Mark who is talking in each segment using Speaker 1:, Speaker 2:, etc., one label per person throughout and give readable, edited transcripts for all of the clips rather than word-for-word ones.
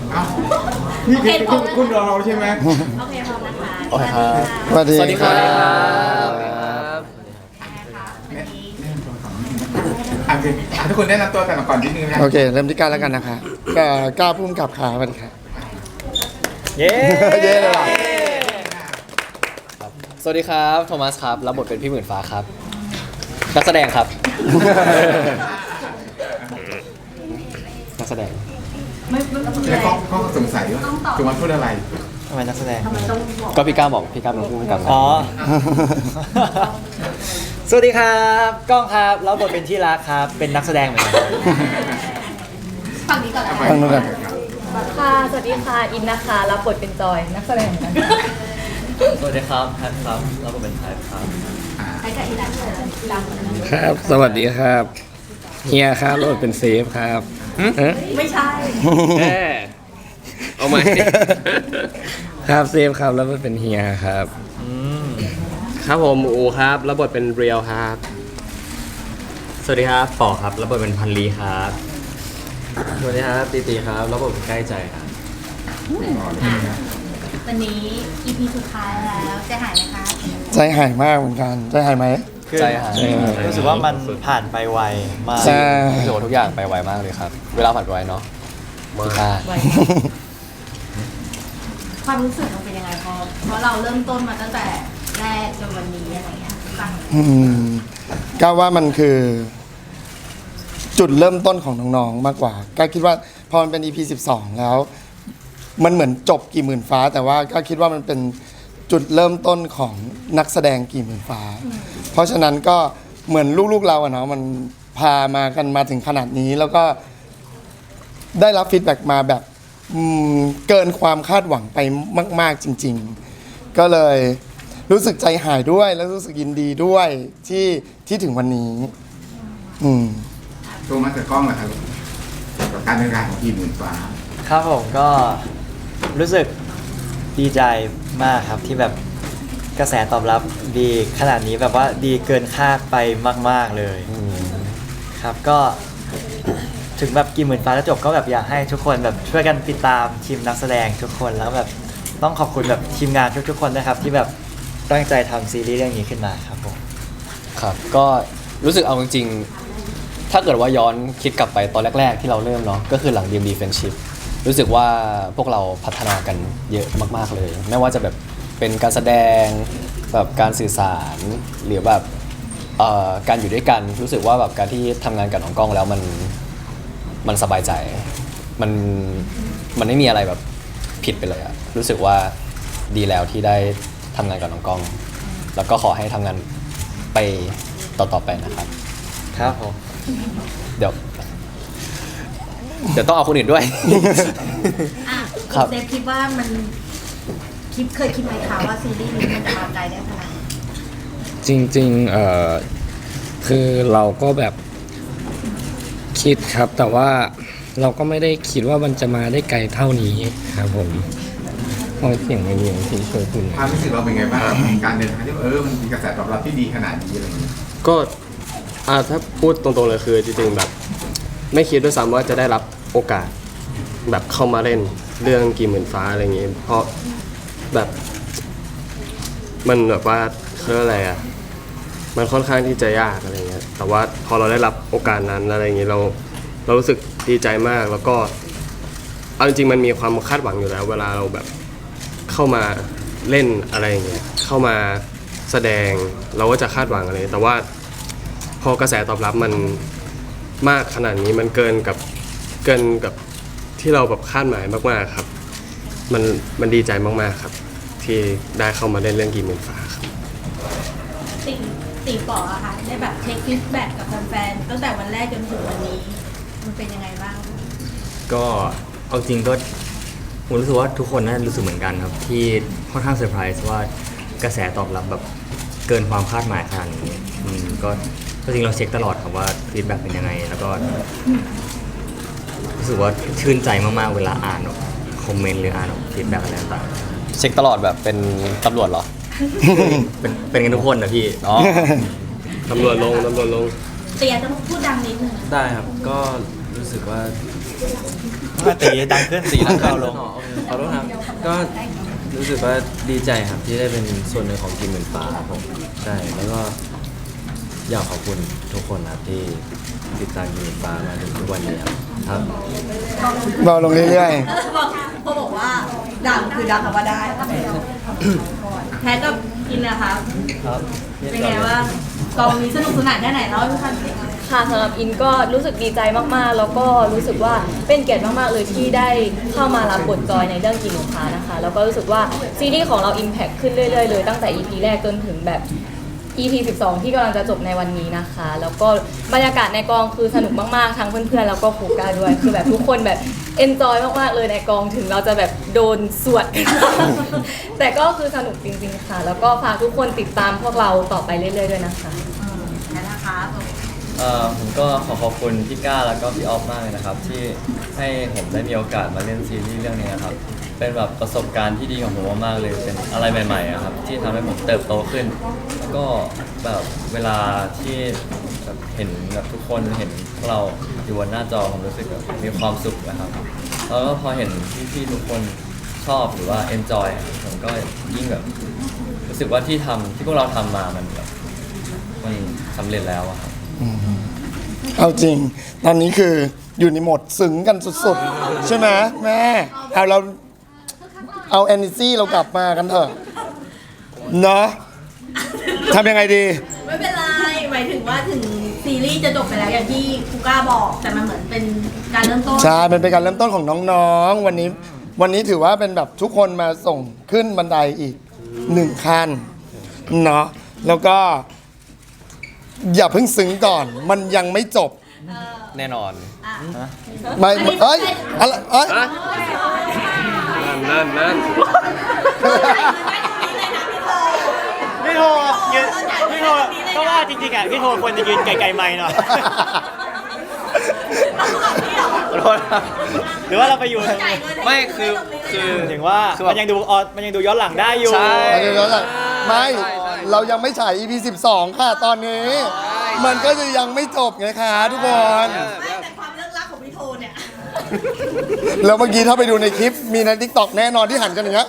Speaker 1: อ้าวนี่คือคุณรอเราใช่ไหม
Speaker 2: โอเคพร้อมนะคะ
Speaker 3: โอเคครับ
Speaker 4: สวัสดี
Speaker 3: สวัสดีครับ
Speaker 1: โอเคทุกคนแนะนำตัวกันก่อนนิดนึงนะ
Speaker 4: โอเค เริ่มที่ก้าวแล้วกันนะคะก้าวพุ่มกับขาสวัสดีครับ
Speaker 3: เย้
Speaker 4: เย้เลยว่ะ
Speaker 3: สวัสดีครับโทมัสครับรับบทเป็นพี่หมื่นฟ้าครับนักแสดงครับ นักแสดง
Speaker 1: แล้วเขาสงสัยว่าจุมาพูดอะไร
Speaker 3: ทำไมนักแสดงก็พี่ก้าวบอกพี่ก้าวเป็นผู้กำกับอ๋อ
Speaker 5: สวัสดีครับก้องครับรับบทเป็นที่รักครับเป็นนักแสดงเหมือนกัน
Speaker 2: ฝั่งนี้ก่อนนะ
Speaker 4: ฟังดูกัน
Speaker 2: ค่ะสวัสดีค่ะอินนะคะรับบทเป็นจอยนักแสดงเหมือนกัน
Speaker 5: สวัสดีครับแพทครับรับบทเป็นไทป์ครับ
Speaker 2: ใครกับอินนะคะดังกว่านั้น
Speaker 6: ครับ สวัสดีครับ เฮียครับรถเป็นเซฟครับเอ๊ะ
Speaker 2: ไม่ใช่
Speaker 6: เอาไหม ครับเซฟครับแล้วมันเป็นเฮียครับ
Speaker 3: ครับผมอูครับรับบทเป็นเรียวครับ
Speaker 5: สวัสดีครับปอครับรับบทเป็นพันลีครับ
Speaker 3: สวัสดีครับตีตีครับรับบทเป็นใกล้ใจครับ
Speaker 2: วันนี้ EP สุดท้ายแล้วจะหายไหมคะ
Speaker 4: ใจหายมากเหมือนกัน ใจหายไหม
Speaker 3: ใจหาย
Speaker 5: รู้สึกว่ามันผ่านไปไวมาก
Speaker 4: ใช่
Speaker 3: รู้สึกว่าทุกอย่างไปไวมากเลยครับ เวลาผ่านไปไวเนาะพี่ค่า
Speaker 2: ไว้ความรู้สึกมันเป็นยังไงเพราะเราเริ่มต้นมาตั้งแต่แรกจนวันนี้อะไรเงี้ยฟัง
Speaker 4: ก้าวว่ามันคือ จุดเริ่มต้นของน้องๆมากกว่าก้าวคิดว่าพอมันเป็น EP 12 แล้ว มันเหมือนจบกี่หมื่นฟ้า แต่ว่าก้าวคิดว่ามันเป็นจุดเริ่มต้นของนักแสดงกี่หมื่นฟ้า เพราะฉะนั้นก็เหมือนลูกๆเราอะเนาะมันพามากันมาถึงขนาดนี้ แล้วก็ได้รับฟีดแบ็กมาแบบเกินความคาดหวังไปมาก ๆจริง ๆ ก็เลยรู้สึกใจหายด้วยแล้วรู้สึกยินดีด้วยที่ถึงวันนี้
Speaker 1: ตัวมาจากกล้องเหรอครับกับการเดินทางของทีมหมื่นฟ้า
Speaker 5: ครับผมก็รู้สึกดีใจมากครับที่แบบกระแสตอบรับดีขนาดนี้แบบว่าดีเกินคาดไปมาก ๆเลยครับก็ถึงแบบกี่หมื่นฟ้าจะจบก็แบบอยากให้ทุกคนแบบช่วยกันติดตามทีมนักแสดงทุกคนแล้วแบบต้องขอบคุณแบบทีมงานทุกๆคนนะครับที่แบบตั้งใจทำซีรีส์เรื่องนี้ขึ้นมาครับผม
Speaker 3: ครับก็รู้สึกเอาจริงๆถ้าเกิดว่าย้อนคิดกลับไปตอนแรกๆที่เราเริ่มเนาะก็คือหลัง DMD Friendship รู้สึกว่าพวกเราพัฒนากันเยอะมากๆเลย ไม่ว่าจะแบบเป็นการแสดงแบบการสื่อสารหรือแบบการอยู่ด้วยกันรู้สึกว่าแบบการที่ทำงานกับน้องกล้องแล้วมันสบายใจมันไม่มีอะไรแบบผิดไปเลยอะรู้สึกว่าดีแล้วที่ได้ทำงานกับน้องกล้อง แล้วก็ขอให้ทำงานไปต่อๆไปนะครับ
Speaker 5: ครับผม
Speaker 3: เดี๋ยวต้องเอาคนอื่นด้วย
Speaker 2: อ่ะ
Speaker 3: ครับ
Speaker 2: เซฟคิดว่ามันเคยคิดไหมคะว่าซีรีส์นี้มันจะมาไกลได้ขนาดนี้
Speaker 6: จริงคือเราก็แบบคิดครับ แต่ว่าเราก็ไม่ได้คิดว่ามันจะมาได้ไกลเท่านี้ครับผมพอเสียงไม่มีที่ช่วยคุณ
Speaker 1: ความรู้สึกเราเป็นไงบ้างการเดินทางที่มันมีกระแสตอบรับที่ดีขนาดนี้อะไรอย่างเงี้ย
Speaker 7: ก็ถ้าพูดตรงๆเลยคือจริงๆแบบไม่คิดด้วยซ้ำว่าจะได้รับโอกาสแบบเข้ามาเล่นเรื่องกี่หมื่นฟ้าอะไรอย่างงี้เพราะแบบมันแบบว่าเขาเรียกอะไรอะมันค่อนข้างที่จะยากอะไรเงี้ยแต่ว่าพอเราได้รับโอกาสนั้นอะไรอย่างงี้เรารู้สึกดีใจมากแล้วก็เอาจริงๆมันมีความคาดหวังอยู่แล้ว เวลาเราแบบเข้ามาเล่นอะไรอย่างเงี้ยเข้ามาแสดงเราก็จะคาดหวังอะไรแต่ว่าพอกระแสตอบรับมันมากขนาดนี้มันเกินกับที่เราแบบคาดหมายมากๆครับมันดีใจมากๆครับที่ได้เข้ามาเล่นเรื่องกี่หมื่นฟ้าครับ
Speaker 2: ตีป๋ออะค่ะได้แบบเทคฟีดแบ็กกับแฟนๆตั้งแต่วันแรกจนถึงวันนี้ มันเป็นยังไงบ้าง
Speaker 8: ก็เอาจริงก็ผมรู้สึกว่าทุกคนน่าจะรู้สึกเหมือนกันครับที่ค่อนข้างเซอร์ไพรส์ว่ากระแสตอบรับแบบเกินความคาดหมายขนาดนี้ก็จริงเราเช็คตลอดครับว่าฟีดแบ็กเป็นยังไง แล้วก็รู้สึกว่าชื่นใจมากๆเวลาอ่านคอมเมนต์หรืออ่านฟีดแบ็กอะไรต่าง
Speaker 3: เช็คตลอดแบบเป็นตำรวจเหรอ
Speaker 8: ๆเป็นกันทุกคนนะพี่
Speaker 3: อ๋อ
Speaker 7: ตำรวจลง
Speaker 2: เตียต้องพูดดังนิดนึง
Speaker 9: ได้ครับ ก็รู้สึกว่า
Speaker 5: มาตีดังขึ้น
Speaker 3: ตีดังขึ้น
Speaker 5: เบาลง
Speaker 9: ขอโทษครับ ก็รู้สึกว่าดีใจครับที่ได้เป็นส่วนหนึ่งของทีมหมื่นฟ้าครับผมใช่ แล้วก็อยากขอบคุณทุกคนครับที่ติดตามทีมหมื่นฟ้ามาถึงทุกวันนี้ครับ
Speaker 4: เบาลงเรื่อย
Speaker 2: พอบอกว่าดังคือดังคำว่าได้แพ้กับอินนะคะ
Speaker 5: ครับ
Speaker 2: เป็นไงว่างกองนี้สนุกสนานแค่ไหนเล่าให้ฟังสิ
Speaker 10: ค่ะสำหรับอินก็รู้สึกดีใจมากๆ แล้วก็รู้สึกว่าเป็นเกียรติมากๆเลยที่ได้เข้ามารับบทจอยในเรื่องกินหมูกระทะนะคะ แล้วก็รู้สึกว่าซีรีส์ของเรา Impact ขึ้นเรื่อยๆเลยตั้งแต่ EP แรกจนถึงแบบ EP 12 ที่กำลังจะจบในวันนี้นะคะ แล้วก็บรรยากาศในกองคือสนุกมากๆ ทั้งเพื่อนๆ แล้วก็ครูก้าด้วย คือแบบทุกคนแบบเอนจอยมากๆ เลยในกองถึงเราจะแบบโดนสวดกัน แต่ก็คือสนุกจริงๆ ค่ะ แล้วก็ฝากทุกคนติดตามพวกเราต่อไปเรื่อยๆ ด้วยนะคะ
Speaker 2: นะคะ
Speaker 5: ผมก็ขอขอบคุณพี่ก้าแล้วก็พี่ออฟมากเลยนะครับ ที่ให้ผมได้มีโอกาสมาเล่นซีรีส์เรื่องนี้นะครับ เป็นแบบประสบการณ์ที่ดีของผมมากๆเลยเป็นอะไรใหม่ๆอะครับที่ทำให้ผมเติบโตขึ้น แล้วก็แบบเวลาที่แบบเห็นแบบทุกคนเห็นพวกเราอยู่บนหน้าจอผมรู้สึกแบบมีความสุขนะครับแล้วก็พอเห็นพี่ๆทุกคนชอบหรือว่า enjoy ผมก็ยิ่งแบบรู้สึกว่าที่พวกเราทำมามันแบบมันสำเร็จแล้วอะครับ
Speaker 4: ๆ เอาจริง ตอนนี้คืออยู่ในโหมดซึ้งกันสุดๆ ใช่ไหมแม่เอา energy เรากลับมากันเถอะเนาะทำยังไงดี
Speaker 2: ไม่เป็นไรหมายถึงว่าถึงซีรีส์จะจบไปแล้วอย่างที่ครูก้าบอก แต่มันเหมือนเป็นการเริ่มต้น
Speaker 4: ใช่มันเป็นการเริ่มต้นของน้องๆ วันนี้ถือว่าเป็นแบบทุกคนมาส่งขึ้นบันไดอีก1 ขั้นเนาะแล้วก็ อย่าเพิ่งซึ้งก่อน มันยังไม่จบ
Speaker 3: แน่นอน
Speaker 4: ไม่เอ้ยอะไรเอ้ย
Speaker 7: นั่น
Speaker 5: พี่โทยืนพี่โทก็ว่าจริงๆอ่ะพี่โทควรจะยืนไกลๆไมค์หน่อย หรือว่าเราไปอยู่
Speaker 3: ไม่คือ
Speaker 5: ถึงว่า
Speaker 3: คือแบบ
Speaker 5: มันยังดูย้อนหลังได้อยู่
Speaker 3: ใช่
Speaker 4: เดี๋ยวๆไม่เรายังไม่ฉาย EP 12 ค่ะตอนนี้ มันก็จะยังไม่จบไงคะทุกคน
Speaker 2: แต่ความเลิกลักของพี่โทเนี่ย
Speaker 4: แล้วเมื่อกี้ถ้าไปดูในคลิปมีใน TikTok แน่นอนที่หันกันอย่างเงี้ย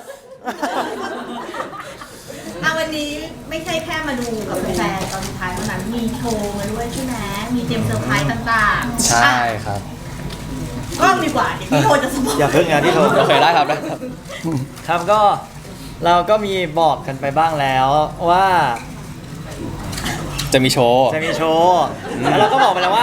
Speaker 2: วันนี้ไม่ใช่แค่มาดูกับแฟนตอนสุดท้ายเท่านั้นมีโชว์มาด้วยใช่ไหมมีเตรียมเซอร์ไพรส์ต่างๆ
Speaker 3: ใช่ครับ
Speaker 2: กล้องดีกว่าเดี๋ยวพี่โทจะสปอย
Speaker 5: อย่าเพิ่งนะพี่โท
Speaker 3: โอเคได้ครับได้ครับ
Speaker 5: ครับก็เราก็มีบอกกันไปบ้างแล้วว่า
Speaker 3: จะมีโชว์
Speaker 5: จะมีโชว์แล้วเราก็บอกไปแล้วว่า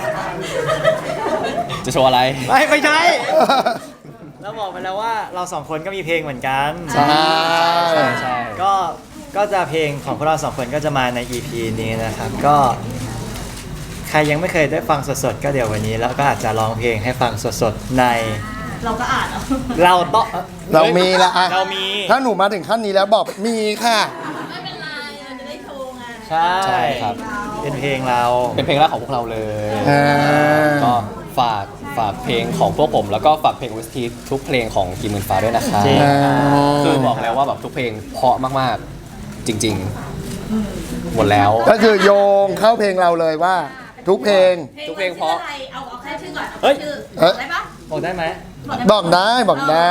Speaker 3: จะโชว์อะไร
Speaker 5: ไม่ใช่ เราบอกไปแล้วว่าเราสองคนก็มีเพลงเหมือนกัน
Speaker 4: ใช่
Speaker 3: ใช่
Speaker 5: ก็จะเพลงของพวกเราสองคนก็จะมาใน EP นี้นะครับ ก็ใครยังไม่เคยได้ฟังสดๆก็เดี๋ยววันนี้แล้วก็อาจจะร้องเพลงให้ฟังสดๆใน
Speaker 2: เราก็อ่านเอา
Speaker 5: เราต้อง
Speaker 4: เรามีละอะ
Speaker 5: เรามี
Speaker 4: ถ้าหนูมาถึงขั้นนี้แล้วบอกมีค่ะ
Speaker 2: ไม่เป็นไรเราจะได้โชว์ไง
Speaker 5: ใช่
Speaker 3: ใช่ครับ
Speaker 5: เป็นเพลงเรา
Speaker 3: เป็นเพลงแรกของพวกเราเลย
Speaker 4: อ่า
Speaker 3: ก็ฝากเพลงของพวกผม แล้วก็ฝากเพลง OST ทุกเพลงของกีหมื่นฟ้าด้วยนะครับ
Speaker 5: จริง
Speaker 3: คือบอกแล้วว่าแบบทุกเพลงเพราะมากๆ จริงๆ หมดแล้ว
Speaker 4: ก็คือโยงเข้าเพลงเราเลยว่า ทุกเพลง
Speaker 3: ทุกเพลงเพราะ
Speaker 2: เอาแค่ชื่อก่อน
Speaker 5: เฮ้ย
Speaker 2: ชื่อ
Speaker 4: เอ๊ะ
Speaker 2: ได้ปะ
Speaker 5: บอกได้ไหม
Speaker 4: บอกได้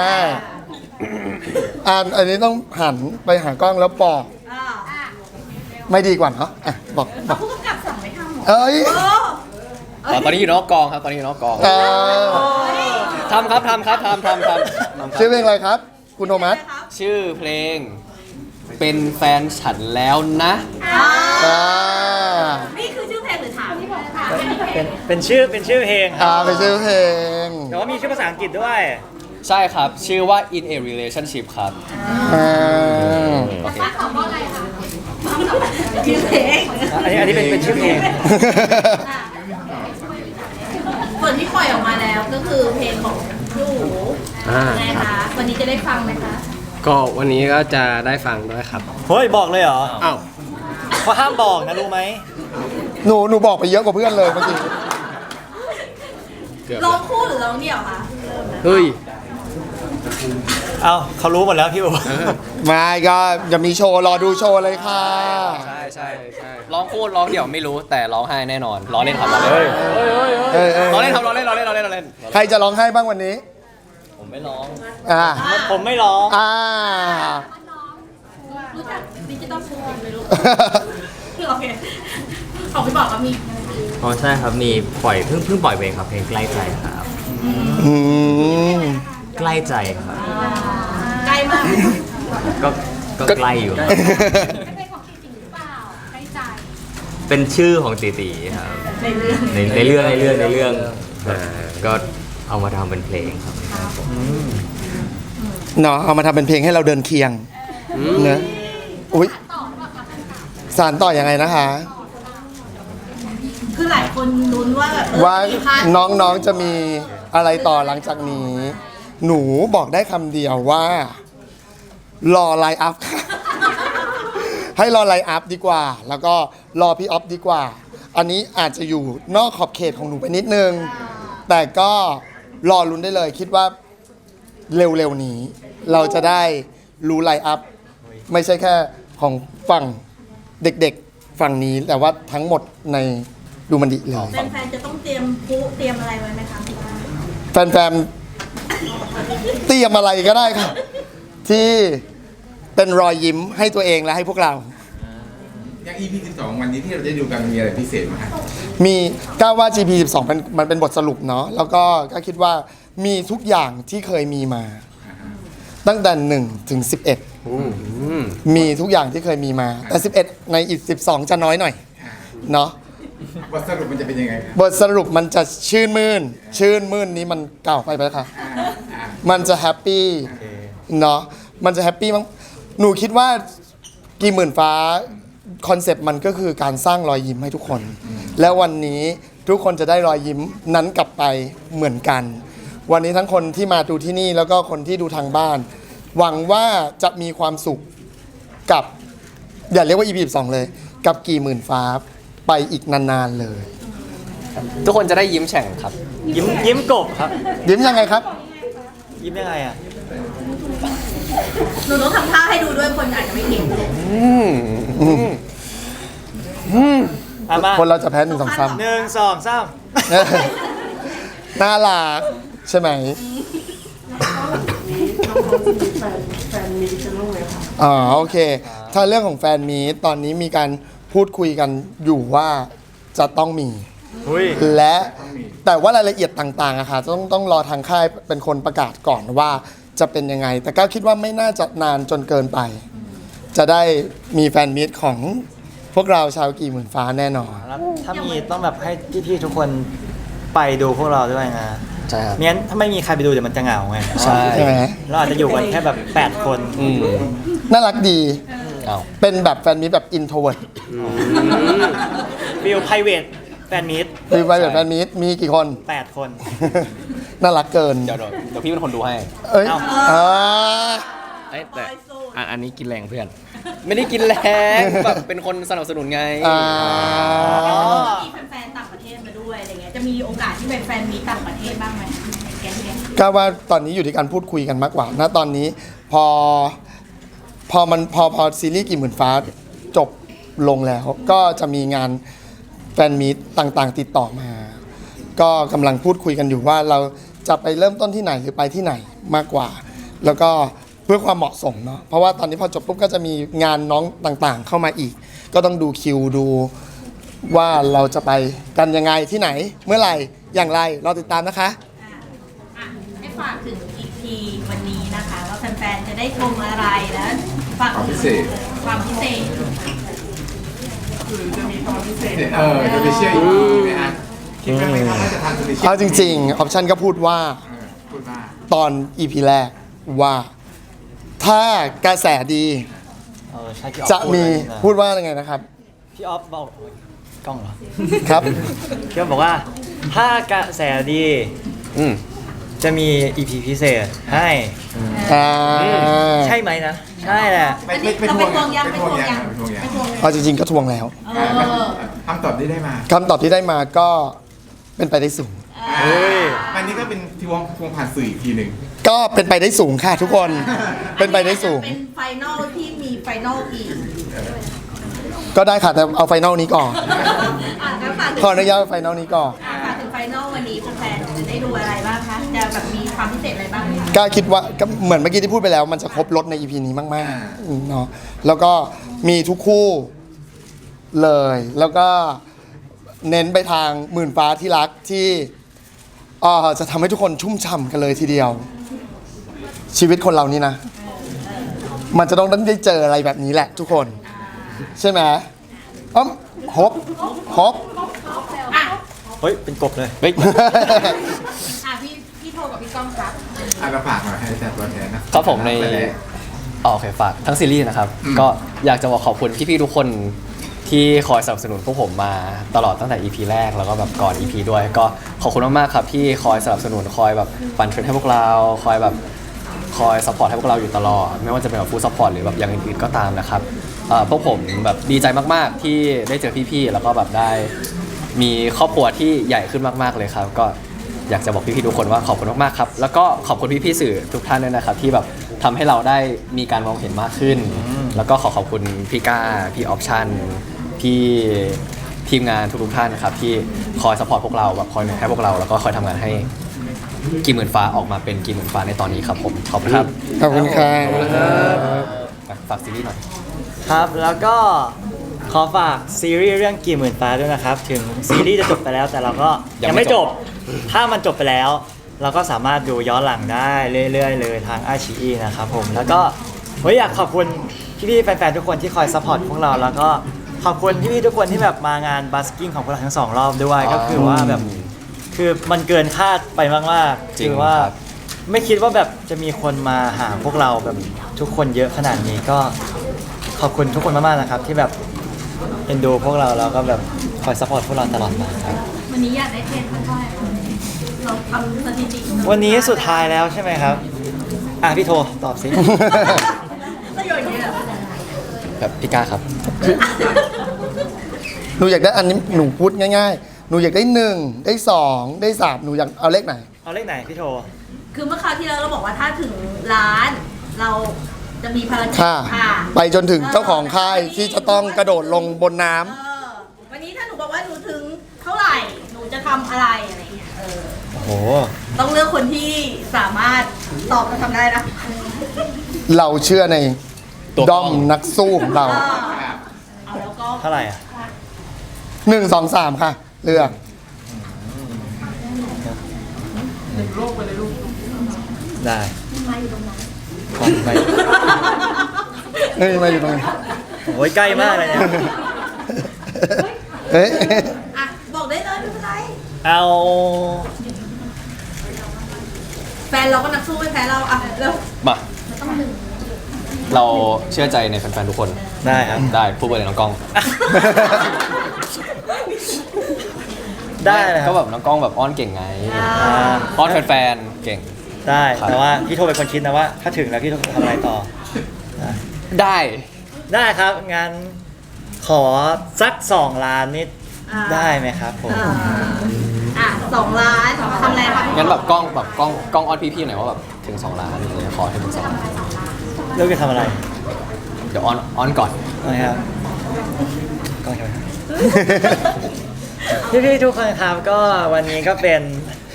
Speaker 4: อันนี้ต้องหันไปหากล้องแล้วบอก
Speaker 2: อ่า
Speaker 4: ไม่ดีกว่าเนาะอ่ะบอก
Speaker 2: ผู้กำกับสั่งไม่ทำหรอ
Speaker 4: เอ้ย
Speaker 3: ตอนนี้อยู่นอกกองครับ ตอนนี้อยู่นอกกอง
Speaker 4: เออ
Speaker 3: ทำครับ
Speaker 4: ชื่อเพลงอะไรครับ คุณโทมัส
Speaker 3: ชื่อเพลงเป็นแฟนฉันแล้วนะ
Speaker 4: อ่า
Speaker 2: นี่คือชื่อเพลงหรือถามที่บอกค่ะ
Speaker 5: เป็นชื่อเพลงครับ
Speaker 4: ไปชื่อเพลง
Speaker 5: แต่ว่ามีชื่อภาษาอังกฤษด้วย
Speaker 3: ใช่ครับ ชื่อว่า in a relationship ครับ
Speaker 4: อ่า
Speaker 3: โอเค
Speaker 2: ชื่อเพลง
Speaker 5: อันนี้เป็นชื่อเพลง
Speaker 2: ส่วนที่ปล่อยออกมาแล้วก็คือเพลงของพี่อู๋
Speaker 7: อ่า
Speaker 2: นะคะวันนี้จะได้ฟังไหมคะ
Speaker 7: ก็วันนี้ก็จะได้ฟังด้วยครับ
Speaker 5: เฮ้ยบอกเลยเหรอ
Speaker 7: อ้าว
Speaker 5: เขาห้ามบอกนะรู้ไหม
Speaker 4: หนูบอกไปเยอะกว่าเพื่อนเลยเมื่อกี้
Speaker 7: เกือบ
Speaker 2: ร้องคู่หรือร้องเดี่ยวคะเริ่มนะ
Speaker 7: เฮ้ย
Speaker 5: เอาเขารู้หมดแล้วพี่อู๋
Speaker 4: ไม่ก็จะมีโชว์รอดูโชว์เลยค่ะ
Speaker 3: ใช่ร้องคู่ร้องเดี่ยวไม่รู้แต่ร้องไห้แน่นอนร้องเล่นครับร้องเล่น
Speaker 4: เออ
Speaker 3: ร้องเล่นครับร้องเล่น
Speaker 4: ใครจะร้องไห้บ้างวันนี้
Speaker 5: ไม่ร้อง
Speaker 4: อ่า
Speaker 5: ผมไม่ร้อง
Speaker 4: อ่า
Speaker 2: รู้จักดิจิตอลฟูดไหมลูกโอเคของพี่บอกว่ามี
Speaker 8: อ๋อใช่ครับมีปล่อยเพิ่งปล่อยเพลงครับเพลงใกล้ใจครับ
Speaker 4: อืม
Speaker 8: ใกล้ใจครับ
Speaker 2: ใกล้มาก
Speaker 8: ก็ใกล้อยู่ครับ
Speaker 2: เป็นของจริงหรือเปล่าใกล้ใจ
Speaker 8: เป็นชื่อของตีตีครับ
Speaker 2: ในเรื่อง
Speaker 8: ในเรื่องก็เอามาทำเป็นเพลงครับ
Speaker 4: เนาะเอามาทำเป็นเพลงให้เราเดินเคียงเนอะอุ้ยสารต่อยังไงนะคะ
Speaker 2: คือหลายคนลุ้นว่าแบบ
Speaker 4: ว่า
Speaker 2: มีพาร์ท
Speaker 4: น้องๆจะมีอะไรต่อหลังจากนี้ หนูบอกได้คำเดียวว่า รอไลน์อัพค่ะ ให้รอไลน์อัพดีกว่า แล้วก็รอพี่ออฟดีกว่า อันนี้อาจจะอยู่นอกขอบเขตของหนูไปนิดนึง แต่ก็รอลุ้นได้เลย คิดว่าเร็วๆนี้ เราจะได้รู้ไลน์อัพ ไม่ใช่แค่ของฝั่งเด็กๆฝั่งนี้ แต่ว่าทั้งหมดในดูมันดีเลย
Speaker 2: แฟนๆจะต้องเตรียมพลุเตรียมอะไรไว้ไหมคะ
Speaker 4: แฟนๆเตรียมอะไรก็ได้ครับ ที่เป็นรอยยิ้มให้ตัวเองและให้พวกเรา
Speaker 1: อย่าง EP 12 วันนี้ที่เราได้ดูกันมีอะไรพิเศษไหมครับ
Speaker 4: มีก้าวว่า GP 12มันเป็นบทสรุปเนาะแล้วก็คิดว่ามีทุกอย่างที่เคยมีมา ตั้งแต่1ถึง11มีทุกอย่างที่เคยมีมา แต่11ในอีก12จะน้อยหน่อยเนาะ
Speaker 1: บทสรุปมันจะเป็นยังไงครับ
Speaker 4: บทสรุปมันจะชื่นมื่นนี้มันเก่าไปไหมคะมันจะแฮปปี้เนาะมันจะแฮปปี้มั้งหนูคิดว่ากี่หมื่นฟ้าคอนเซปต์มันก็คือการสร้างรอยยิ้มให้ทุกคน แล้ววันนี้ทุกคนจะได้รอยยิ้มนั้นกลับไปเหมือนกัน วันนี้ทั้งคนที่มาดูที่นี่แล้วก็คนที่ดูทางบ้าน หวังว่าจะมีความสุขกับอย่าเรียกว่า EP 12 เลย กับกี่หมื่นฟ้าไปอีกนานๆเลย
Speaker 3: ทุกคนจะได้ยิ้มแฉ่งครับ
Speaker 5: ยิ้มกบครับ
Speaker 4: ยิ้มยังไงครับ
Speaker 5: ยิ้มยังไงอ่ะ
Speaker 2: หนูต้องทำท่าให้ดูด้วยคนอาจจะไม่เห็น
Speaker 5: เอามา
Speaker 4: คนเราจะแพ้1 2 3
Speaker 5: 1 2 3
Speaker 4: น่ารักใช่ไหมอ๋อโอเค ถ้าเรื่องของแฟนมีตตอนนี้มีการพูดคุยกันอยู่ว่าจะต้องมี และแต่ว่ารายละเอียดต่างๆอะค่ะต้องรอทางค่ายเป็นคนประกาศก่อนว่าจะเป็นยังไง แต่ก็คิดว่าไม่น่าจะนานจนเกินไป จะได้มีแฟนมีตของพวกเราชาวกี่หมื่นฟ้าแน่นอน
Speaker 5: แล้วถ้ามีต้องแบบให้พี่ๆทุกคนไปดูพวกเราด้วยนะ
Speaker 3: ใช่ครับ
Speaker 5: ไม่งั้นถ้าไม่มีใครไปดูเดี๋ยวมันจะเหงาไง
Speaker 3: ใช่
Speaker 4: ใช่ไหม
Speaker 5: เราอาจจะอยู่กันแค่แบบ8 คน
Speaker 4: น่ารักดี
Speaker 3: เอา
Speaker 4: เป็นแบบแฟนมีตแบบอินโทรเวิร์ด
Speaker 5: ฟิลไพรเวทแฟนมิต
Speaker 4: มีไปแบบแฟนมีตมีกี่คน
Speaker 5: 8 คน
Speaker 4: น่ารักเกิน
Speaker 3: เดี๋ยวพี่เป็นคนดูให้
Speaker 4: เอ้ย
Speaker 5: เอ้า
Speaker 4: อ่า
Speaker 6: แต่อันนี้กินแรงเพื่อน
Speaker 3: ไม่ได้กินแรงแบบเป็นคนสนับสนุนไง
Speaker 4: อ่า
Speaker 2: มีแฟนๆต่างประเทศมาด้วยอะไรเงี้ยจะมีโอกาสที่เป็นแฟนมีต่างประเทศบ้างไหมแกงเนี่ย
Speaker 4: ก็ว่าตอนนี้อยู่ที่การพูดคุยกันมากกว่าณตอนนี้พอซีรีส์กี่หมื่นฟ้าจบลงแล้ว ก็จะมีงานแฟนมีตต่างๆ ติดต่อมา ก็กำลังพูดคุยกันอยู่ว่าเราจะไปเริ่มต้นที่ไหนหรือไปที่ไหนมากกว่า แล้วก็เพื่อความเหมาะสมเนาะเพราะว่าตอนนี้พอจบปุ๊บก็จะมีงานน้องต่างๆ เข้ามาอีก ก็ต้องดูคิวดูว่าเราจะไปกันยังไงที่ไหนเมื่อไหร่อย่างไรรอติดตามนะคะ
Speaker 2: อ่ะให้ฝากถึง EP วันนี้นะคะว่าแฟนๆจะได้ชมอะไรแล้วฝาก
Speaker 1: ความพิเศษ
Speaker 2: ความพิเศษ
Speaker 1: จะไปเชื่อ EP ไหมฮะคิดว่าไหมครับว่าจะทำสเปเชียล
Speaker 4: เอาจริงๆออปชันก็พูดว่า
Speaker 1: พูดว่า
Speaker 4: ตอน EP แรกว่าถ้ากระแสดี
Speaker 5: ใช่พี่ออฟ
Speaker 4: จะมี
Speaker 5: พู
Speaker 4: พู
Speaker 5: ด
Speaker 4: ดว่ายังไงนะครับ
Speaker 5: พี่ออฟบอกกล้องเหรอ
Speaker 4: ครับ
Speaker 5: พี่ออฟบอกว่าถ้ากระแสดี
Speaker 3: อืม
Speaker 5: จะมี EP พิเศษให้
Speaker 4: อ่า
Speaker 5: ใช่ไหมนะ ใช่แหละ
Speaker 2: อันนี้เราไปทวงยังไปทวงยัง
Speaker 1: ไปทวงยัง
Speaker 2: ไปทวงยัง
Speaker 4: เอาจริงๆก็ทวงแล้ว
Speaker 2: เออ
Speaker 1: คำตอบที่ได้มา
Speaker 4: คำตอบที่ได้มาก็เป็นไปได้สูง
Speaker 1: วันนี้ก็เป็นทวงผ่านสื่ออีกทีหนึ่ง
Speaker 4: ก็เป็นไปได้สูงค่ะทุกคน เป็นไปได้สูง
Speaker 2: เป็นไฟนอลที่มีไฟนอลอีก
Speaker 4: ก็ได้ค่ะ แต่เอาไฟนอลนี้ก่อน
Speaker 2: งั้นฝากถึง
Speaker 4: ขออนุญาตไฟนอลนี้ก่อน
Speaker 2: ฝากถึงไฟนอลวันนี้แฟนๆจะได้ได้ดูอะไรบ้างคะจะแบบมีความพิเศษอะไรบ้างคะ
Speaker 4: ก็คิดว่าก็เหมือนเมื่อกี้ที่พูดไปแล้ว มันจะครบรถใน EP นี้มากๆเนาะแล้วก็มีทุกคู่เลย แล้วก็เน้นไปทางหมื่นฟ้าที่รักที่จะทำให้ทุกคนชุ่มฉ่ำกันเลยทีเดียว ชีวิตคนเรานี่นะ มันจะต้องได้เจออะไรแบบนี้แหละทุกคน ใช่ไหมฮบ
Speaker 2: อ่ะ
Speaker 5: เฮ้ย เป็นกบเลย
Speaker 3: เฮ้ย
Speaker 2: พี่โทกับพี่ก้องครับ
Speaker 1: เราฝากหน่อยให้แต่ตัวแทนนะครับ
Speaker 3: ผมในโอเคฝากทั้งซีรีส์นะครับ ก็อยากจะบอกขอบคุณพี่ๆทุกคนที่คอยสนับสนุนพวกผมมาตลอดตั้งแต่ EP แรกแล้วก็แบบก่อน EP ด้วย ก็ขอบคุณมากๆครับที่คอยสนับสนุนคอยแบบปั่นเทรนให้พวกเราคอยแบบคอยซัพพอร์ตให้พวกเราอยู่ตลอด ไม่ว่าจะเป็นแบบฟูลซัพพอร์ตหรือแบบอย่างอื่นๆก็ตามนะครับพวกผมแบบดีใจมากๆที่ได้เจอพี่ๆแล้วก็แบบได้มีครอบครัวที่ใหญ่ขึ้นมากๆเลยครับก็อยากจะบอกพี่ๆทุกคนว่าขอบคุณมากๆครับแล้วก็ขอบคุณพี่ๆสื่อทุกท่านด้วยนะครับที่แบบทำให้เราได้มีการมองเห็นมากขึ้น แล้วก็ขอบคุณพี่ก้าพี่ออปชั่นพี่ทีมงานทุกๆท่านนะครับที่คอยซัพพอร์ตพวกเราแบบคอยให้พวกเราแล้วก็คอยทำงานให้กีหมื่นฟ้าออกมาเป็นกีหมื่นฟ้าในตอนนี้ครับผมขอบคุณครับ
Speaker 4: ขอบคุณครับ
Speaker 3: ฝากซีรีส์หน่อย
Speaker 5: ครับ แล้วก็ขอฝากซีรีส์เรื่องกี่หมื่นฟ้าด้วยนะครับ ถึงซีรีส์จะจบไปแล้วแต่เราก็ยังไม่จบ ถ้ามันจบไปแล้ว เราก็สามารถดูย้อนหลังได้เรื่อยๆเลยทางไอชีอีนะครับผมแล้วก็อยากขอบคุณพี่ๆแฟนๆทุกคนที่คอยซัพพอร์ตพวกเราแล้วก็ขอบคุณพี่ๆทุกคนที่แบบมางานบัสกิ้งของพวกเราทั้ง2 รอบด้วยก็คือว่าแบบคือมันเกินคาดไปมากๆ
Speaker 3: จริง
Speaker 5: คือว่า
Speaker 3: ครับ
Speaker 5: ไม่คิดว่าแบบจะมีคนมาหาพวกเราแบบทุกคนเยอะขนาดนี้ก็ขอบคุณทุกคนมากๆนะครับที่แบบเอ็นดูพวกเราแล้วก็แบบคอยซัพพอร์ตพวกเราตลอดมาครับ
Speaker 2: วันนี้อยากได้เทรนเท่าไหร่เราทำสถิติ
Speaker 5: วันนี้สุดท้ายแล้วใช่ไหมครับพี่โทตอบสิ
Speaker 2: ประโยชน์เยอะ
Speaker 3: แบบพี่ก้าครับ
Speaker 4: หนูอยากได้อันนี้หนูพูดง่ายๆ หนูอยากได้1ได้2ได้3หนูอยากเอาเลขไหน
Speaker 5: เอาเลขไหนพี่โท
Speaker 2: คือเมื่อคราวที่แล้วเราบอกว่าถ้าถึงล้านเราจะมีภารกิจ
Speaker 4: ค่ะ ไปจนถึงเจ้าของค่ายที่จะต้องกระโดดลงบนน้ำ
Speaker 2: วันนี้ถ้าหนูบอกว่าหนูถึงเท่าไหร่หนูจะทำอะไรอะไรเงี้ย
Speaker 5: โอ้โห
Speaker 2: ต้องเลือกคนที่สามารถตอบและทำได้นะ
Speaker 4: เราเชื่อใน
Speaker 3: ตัวกล้
Speaker 4: ด้
Speaker 3: อ
Speaker 4: อง มนักสู้ของเรา
Speaker 2: เอาแล้วก็
Speaker 5: เท่าไหร่อ่ะ
Speaker 4: 1 2 3 ค่ะ เลือก
Speaker 5: ได้ของไป
Speaker 4: เฮ้ยมาอยู่ตรงนี้
Speaker 5: โอ้ยใกล้มากเลยเนี่ย
Speaker 4: เฮ้ย
Speaker 2: อ่ะบอกได้เลยไม่เป็นไร
Speaker 5: เอา
Speaker 2: แฟนเราก็นักสู้ไม่แพ้เราอ่ะเร็ว
Speaker 3: มาเราเชื่อใจในแฟนๆทุกคน
Speaker 5: ได้ครับ
Speaker 3: ได้พูดไปเลยน้องกล้อง
Speaker 5: ได้เลยค
Speaker 3: ก็
Speaker 5: รับ
Speaker 3: แบบน้องกล้องแบบอ้อนเก่งไง อ้อนแฟนๆเก่ง
Speaker 5: ได้
Speaker 3: ครับ
Speaker 5: แต่ว่าพี่โทเป็นคนคิดนะว่า ถ้าถึงแล้วพี่โททำอะไรต่อ
Speaker 3: ได้
Speaker 5: ได้ครับ งั้นขอสัก2 ล้านนิดได้ไหมครับผม
Speaker 2: 2 ล้านทำอะไรคะ
Speaker 3: งั้นแบบกล้องอ้อนพี่ๆหน่อยว่าแบบถึง2 ล้านอะไรเงี้ยขอให้ถึง2 ล้าน
Speaker 5: เรื่องจะทำอะไร
Speaker 3: เดี๋ยวอ้อนก่อน
Speaker 5: นะครับก็ใช่ไหมครับ พี่ๆทุกคนครับก็วันนี้ก็เป็น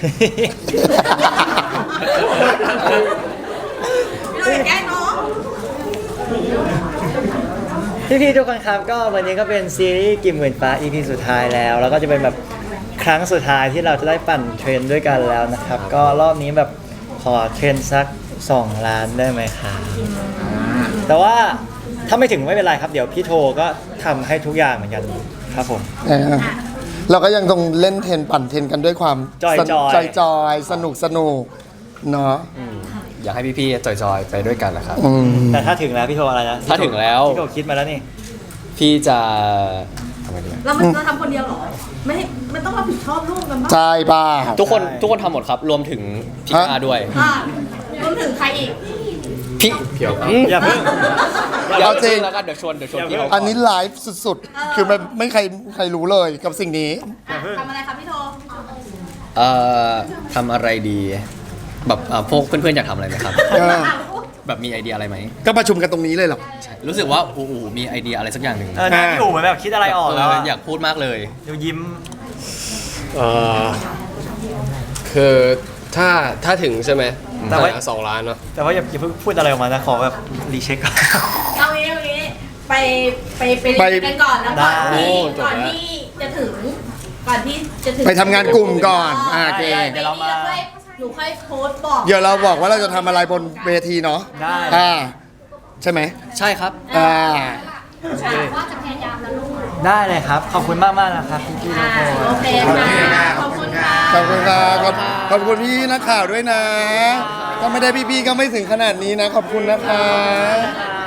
Speaker 2: เราอย่าแกล้งน้อง
Speaker 5: พี่ๆทุกคนครับก็วันนี้ก็เป็นซีรีส์กี่หมื่นฟ้า EP สุดท้ายแล้ว แล้วก็จะเป็นแบบครั้งสุดท้ายที่เราจะได้ปั่นเทรนด้วยกันแล้วนะครับ ก็รอบนี้แบบขอเทรนสัก2 ล้านได้ไหมครับแต่ว่าถ้าไม่ถึงไม่เป็นไรครับ เดี๋ยวพี่โทก็ทำให้ทุกอย่างเหมือนกันครับผม
Speaker 4: เราก็ยังต้องเล่นเทนปั่นเทนกันด้วยความ
Speaker 5: จอยๆ
Speaker 4: จอยสนุกเนาะ
Speaker 3: อยากให้พี่ๆจอยๆไปด้วยกันนะครับ
Speaker 4: อืม
Speaker 5: แต่ถ้าถึงแล้วพี่โทอะไรนะ
Speaker 3: ถ้าถึงแล้ว
Speaker 5: พี่โทคิดมาแล้วนี่
Speaker 3: พี่จะทำไงดีอะ
Speaker 2: เราทำคนเดียวเหรอ ไม่ต้องรับผิดชอบลูกกันบ้าง
Speaker 4: ใช่ป่ะ
Speaker 3: ทุกคนทำหมดครับ รวมถึงพี่ก้าด้วย
Speaker 2: รวมถึงใครอีก
Speaker 3: พี่
Speaker 5: อย่าเพิ่ง
Speaker 4: เอาจริง
Speaker 3: แล้วก็เดี๋ยวชวนพี่เขา
Speaker 4: อันนี้ไลฟ์สุดๆ คือมันไม่ใครรู้เลยกับสิ่งนี้
Speaker 2: ทำอะไรคะพี่โท
Speaker 3: ทำอะไรดี แบบพวกเพื่อนๆอยากทำอะไรไหมครับ
Speaker 4: เออ
Speaker 3: แบบมีไอเดียอะไรไหม
Speaker 4: ก็ประชุมกันตรงนี้เลยเหรอ
Speaker 3: ใช่รู้สึกว่าอู๋มีไอเดียอะไรสักอย่างหนึ่ง
Speaker 5: นะพี่อู๋เหมือนแบบคิดอะไรออกแล้วอะ
Speaker 3: อยากพูดมากเลย
Speaker 5: เดี๋ยวยิ้ม
Speaker 7: คือถ้าถึงใช่ไหม
Speaker 5: แต่ว่า
Speaker 7: 2 ล้านเนาะ
Speaker 5: แต่ว่าอย่าเพิ่งพูดอะไรออกมานะขอแบบรีเช็คก่อน
Speaker 2: เอางี้ไปเรียนกันก่อนแล้วก่อนที่จะถึง
Speaker 4: ไปทำงานกลุ่มก่อนโอเค
Speaker 5: เดี๋ยวเรามา
Speaker 2: หนูค่อยโพสต์บอก
Speaker 4: เดี๋ยวเราบอกว่าเราจะทำอะไรบนเวทีเนาะ
Speaker 5: ได้
Speaker 4: ใช่ไหม
Speaker 3: ใช่ครับ
Speaker 5: ได้เลยครับ ขอบคุณมากๆนะครับพี่ๆทุกคน
Speaker 2: โอเคค่ะขอบคุณค่ะ
Speaker 4: ขอบคุณครับขอบคุณพี่นักข่าวด้วยนะ ถ้าไม่ได้พี่ๆก็ไม่ถึงขนาดนี้นะ ขอบคุณนะคะ